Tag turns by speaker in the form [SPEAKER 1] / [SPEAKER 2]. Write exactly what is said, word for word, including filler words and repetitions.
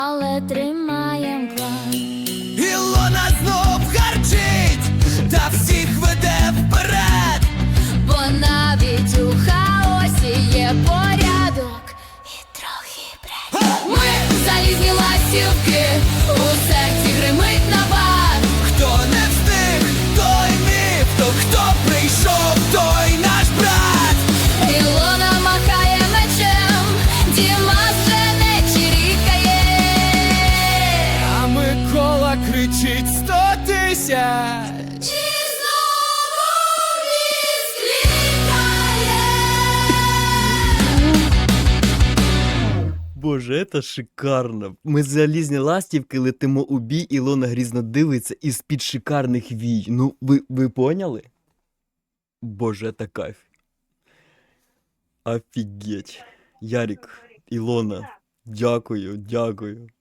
[SPEAKER 1] але тримаєм план.
[SPEAKER 2] Ілона знов гарчить, та всіх веде вперед,
[SPEAKER 1] Бо навіть у хаосі є порядок і трохи бред. Ми залізні ластівки, у серці гримить набат.
[SPEAKER 2] хто не встиг, той міф, то хто прийшов, той наш брат.
[SPEAKER 1] Ілона махає мечем, Дімас вже не чирікає.
[SPEAKER 2] А Микола кричить сто тисяч.
[SPEAKER 1] Чи знову ліс клікає?
[SPEAKER 3] Боже, це шикарно. Ми залізні ластівки летимо у бій, Ілона грізно дивиться із-під шикарних вій. Ну, ви, ви поняли? Боже, це кайф. Офігеть. Ярік, Ілона, дякую, дякую.